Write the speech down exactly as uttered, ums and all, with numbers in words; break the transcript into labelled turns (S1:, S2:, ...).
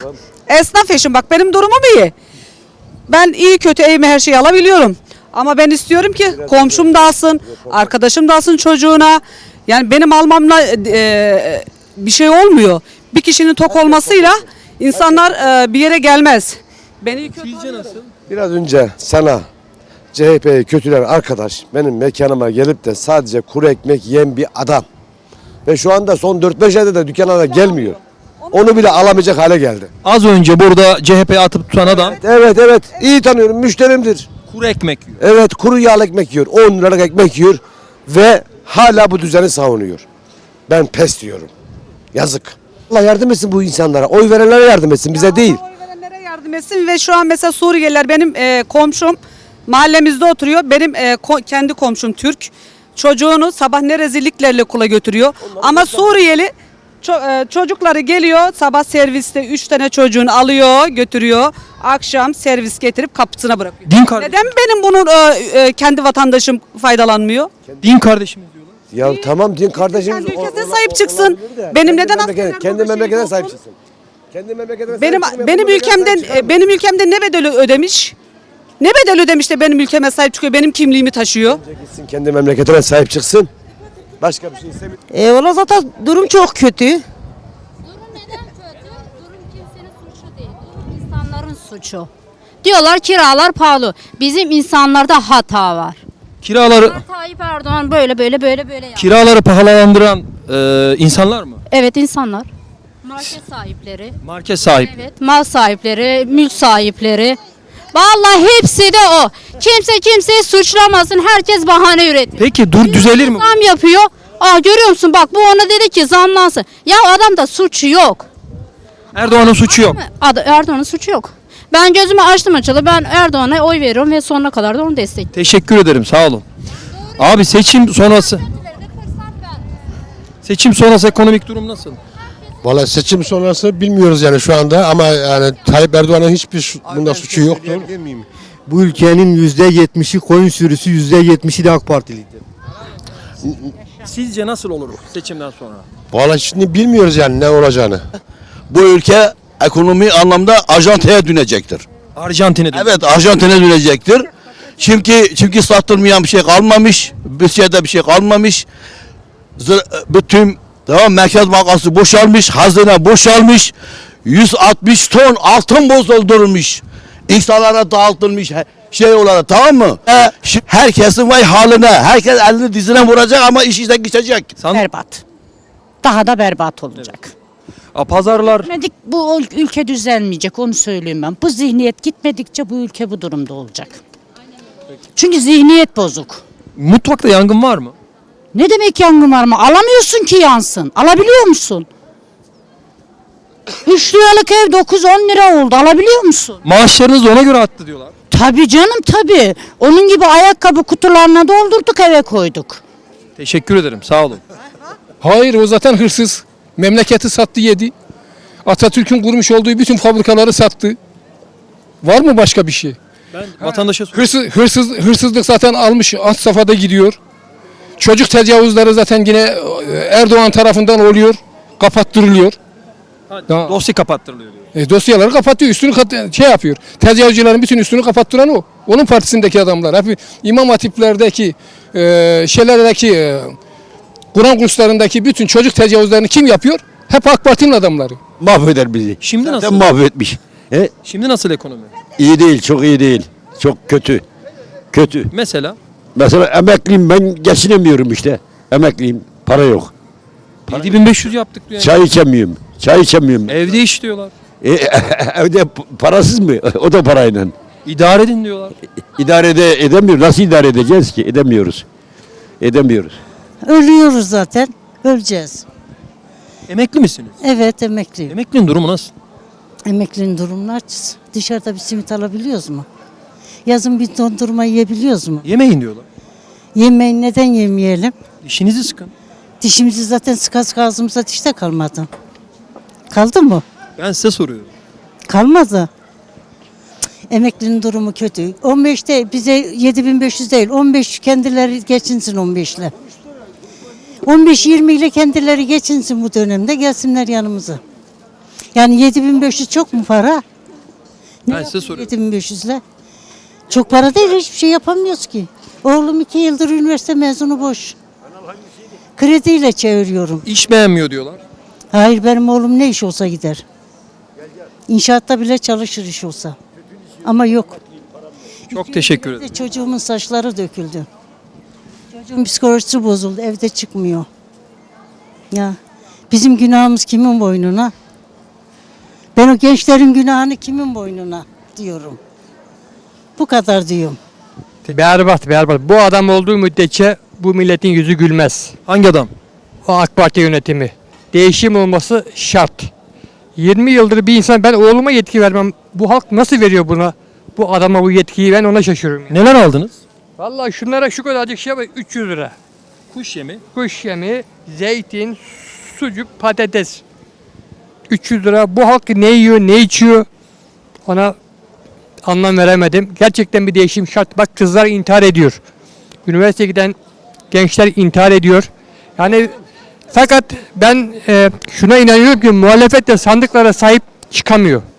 S1: Esnaf eşim, bak benim durumum iyi. Ben iyi kötü evime her şeyi alabiliyorum. Ama ben istiyorum ki komşum da alsın, arkadaşım da alsın çocuğuna. Yani benim almamla e, bir şey olmuyor. Bir kişinin tok olmasıyla insanlar e, bir yere gelmez. Beni kötü
S2: Sizce nasıl?
S3: Biraz önce sana C H P'yi kötülen arkadaş benim mekanıma gelip de sadece kuru ekmek yiyen bir adam. Ve şu anda son dört beş ayda da dükkana da gelmiyor. Onu bile alamayacak hale geldi.
S2: Az önce burada C H P'ye atıp tutan adam
S3: Evet evet iyi tanıyorum, müşterimdir.
S2: kuru ekmek yiyor.
S3: Evet, kuru yağlı ekmek yiyor, on liralık ekmek yiyor ve hala bu düzeni savunuyor. Ben pes diyorum. Yazık. Allah yardım etsin bu insanlara. Oy verenlere yardım etsin, bize değil.
S1: Oy verenlere yardım etsin ve şu an mesela Suriyeliler benim e, komşum mahallemizde oturuyor. Benim e, ko- kendi komşum Türk. Çocuğunu sabah ne rezilliklerle okula götürüyor. Ama Suriyeli ço- e, çocukları geliyor sabah serviste üç tane çocuğunu alıyor götürüyor. Akşam servis getirip kapısına bırakıyor.
S2: Din kardeşim.
S1: Neden benim bunun e, e, kendi vatandaşım faydalanmıyor?
S2: Din kardeşimiz diyorlar.
S3: Ya tamam, din kardeşimiz.
S1: Kendi ülkesine
S3: o- o-
S1: sahip
S3: o-
S1: çıksın.
S3: olabilir de.
S1: Benim
S3: Kendi
S1: neden
S3: memleketine-
S1: askerler
S3: Kendi
S1: burada
S3: memleketine
S1: şehit
S3: sahip
S1: olsun?
S3: çıksın. Kendi memleketine
S1: Benim
S3: sahip çıksın,
S1: benim
S3: memleketine sahip
S1: ülkemden
S3: çıkamıyor.
S1: e, benim ülkemde ne bedel ödemiş? Ne bedel ödemiş de benim ülkeme sahip çıkıyor, benim kimliğimi taşıyor.
S3: Gitsin kendi memleketine sahip çıksın. Başka bir şey istemiyor.
S4: E valla zaten durum çok kötü.
S5: Durum neden kötü? Durum kimsenin suçu değil. Durum insanların suçu. Diyorlar kiralar pahalı. Bizim insanlarda hata var.
S2: Kiraları
S5: Tayyip Erdoğan böyle böyle böyle böyle yaptı.
S2: kiraları pahalandıran e, insanlar mı?
S5: Evet, insanlar. Market sahipleri.
S2: Market sahibi.
S5: Evet, mal sahipleri, mülk sahipleri. Vallahi hepsi de o. Kimse kimseyi suçlamasın. Herkes bahane üretiyor.
S2: Peki dur düzelir mi?
S5: Zam yapıyor. Aa, görüyor musun? Bak bu ona dedi ki zamlansın. Ya adamda suçu yok.
S2: Erdoğan'ın suçu yok.
S5: Ad- Erdoğan'ın suçu yok. Ben gözümü açtım açılı. Ben Erdoğan'a oy veriyorum ve sonuna kadar da onu destekliyorum.
S2: Teşekkür ederim, sağ olun. Abi seçim sonrası seçim sonrası ekonomik durum nasıl?
S6: Valla seçim sonrası bilmiyoruz yani şu anda ama yani Tayyip Erdoğan'ın hiçbir su- bunda suçu yoktur.
S7: Bu ülkenin yüzde yetmişi koyun sürüsü, yüzde yetmişi de AK Partilidir.
S2: Sizce nasıl olur seçimden sonra?
S6: Valla şimdi bilmiyoruz yani ne olacağını.
S8: Bu ülke ekonomi anlamda Arjantin'e dönecektir.
S2: Arjantin'e dön-
S8: Evet, Arjantin'e dönecektir. Çünkü çünkü satılmayan bir şey kalmamış, bütçede bir şey kalmamış. Zır- bütün tamam Merkez Bankası boşalmış, hazine boşalmış. yüz altmış ton altın bozdurulmuş. İnsanlara dağıtılmış he- şey olarak, tamam mı? E, şi- herkesin vay haline, herkes elini dizine vuracak ama iş işten geçecek.
S2: San-
S4: Berbat. Daha da berbat olacak.
S2: A, pazarlar
S4: Gitmedik, bu ülke düzelmeyecek, onu söyleyeyim ben. Bu zihniyet gitmedikçe bu ülke bu durumda olacak. Çünkü zihniyet bozuk.
S2: mutfakta yangın var mı?
S4: Ne demek yangın var mı? Alamıyorsun ki yansın. Alabiliyor musun? Üç liralık ev dokuz on lira oldu. Alabiliyor musun?
S2: Maaşlarınız da ona göre arttı diyorlar.
S4: Tabii canım tabii. Onun gibi ayakkabı kutularına doldurduk eve koyduk.
S2: Teşekkür ederim, sağ olun.
S9: Hayır, o zaten hırsız. Memleketi sattı yedi. Atatürk'ün kurmuş olduğu bütün fabrikaları sattı. Var mı başka bir şey?
S2: Ben vatandaşa soruyorum.
S9: Hırsız, hırsız, hırsızlık zaten almış alt safhada gidiyor. Çocuk tecavüzleri zaten yine e, Erdoğan tarafından oluyor. Kapattırılıyor.
S2: Ha,
S9: Ya-
S2: Dosya kapattırılıyor diyor.
S9: E, dosyaları kapatıyor. Üstünü kat- şey yapıyor. Tecavüzcülerin bütün üstünü kapattıran o. Onun partisindeki adamlar. Hep İmam Hatip'lerdeki e, şeylerdeki e, Kur'an kurslarındaki bütün çocuk tecavüzlerini kim yapıyor? Hep AK Parti'nin adamları.
S8: Mahveder bizi.
S2: Şimdi
S8: Zaten
S2: nasıl?
S8: mahvetmiş. He?
S2: Şimdi nasıl ekonomi?
S8: İyi değil, çok iyi değil. Çok kötü. Kötü.
S2: Mesela
S8: Mesela emekliyim, ben geçinemiyorum işte. Emekliyim, para yok.
S2: yedi bin beş yüz yaptık diyor.
S8: Çay içemiyorum. Çay içemiyorum.
S2: Evde iş diyorlar.
S8: E, evde p- parasız mı? O da parayla.
S2: İdare edin diyorlar.
S8: İdare ede, edemiyoruz. Nasıl idare edeceğiz ki? Edemiyoruz. Edemiyoruz.
S4: Ölüyoruz zaten. Öleceğiz.
S2: Emekli misiniz?
S4: Evet, emekliyim.
S2: Emeklinin durumu nasıl?
S4: Emeklinin durumlar dışarıda bir simit alabiliyoruz mu? Yazın bir dondurma yiyebiliyoruz mu?
S2: Yemeyin diyorlar.
S4: Yemeği neden yemeyelim?
S2: Dişinizi sıkın.
S4: Dişimizi zaten sıka sıka ağzımıza diş de kalmadı. Kaldı mı?
S2: Ben size soruyorum.
S4: Kalmadı. Cık, Emeklinin durumu kötü. on beşte bize yedi bin beş yüz değil. on beş kendileri geçinsin on beş ile. on beş yirmi ile kendileri geçinsin bu dönemde, gelsinler yanımıza. Yani yedi bin beş yüz çok mu para? Ne
S2: Ben size
S4: yapayım
S2: soruyorum.
S4: yedi bin beş yüz ile? Çok para değil, hiçbir şey yapamıyoruz ki. Oğlum iki yıldır üniversite mezunu boş. Krediyle çeviriyorum.
S2: İş beğenmiyor diyorlar.
S4: Hayır, benim oğlum ne iş olsa gider. İnşaatta bile çalışır iş olsa. Ama yok.
S2: Çok teşekkür ederim.
S4: Çocuğumun saçları döküldü. Çocuğun psikolojisi bozuldu, evde çıkmıyor. Ya bizim günahımız kimin boynuna? Ben o gençlerin günahını kimin boynuna diyorum. Bu kadar diyorum.
S10: Berbat, berbat. Bu adam olduğu müddetçe bu milletin yüzü gülmez.
S2: Hangi adam?
S10: O AK Parti yönetimi. Değişim olması şart. yirmi yıldır bir insan, ben oğluma yetki vermem. Bu halk nasıl veriyor buna? Bu adama bu yetkiyi, ben ona şaşırıyorum.
S2: Neler aldınız?
S10: Vallahi şunlara şu kadarcık şey var, üç yüz lira.
S2: Kuş yemi.
S10: Kuş yemi, zeytin, sucuk, patates. üç yüz lira. Bu halk ne yiyor, ne içiyor? Ona anlam veremedim. Gerçekten bir değişim şart. Bak, kızlar intihar ediyor. Üniversiteye giden gençler intihar ediyor. Yani fakat ben e, şuna inanıyorum ki muhalefet de sandıklara sahip çıkamıyor.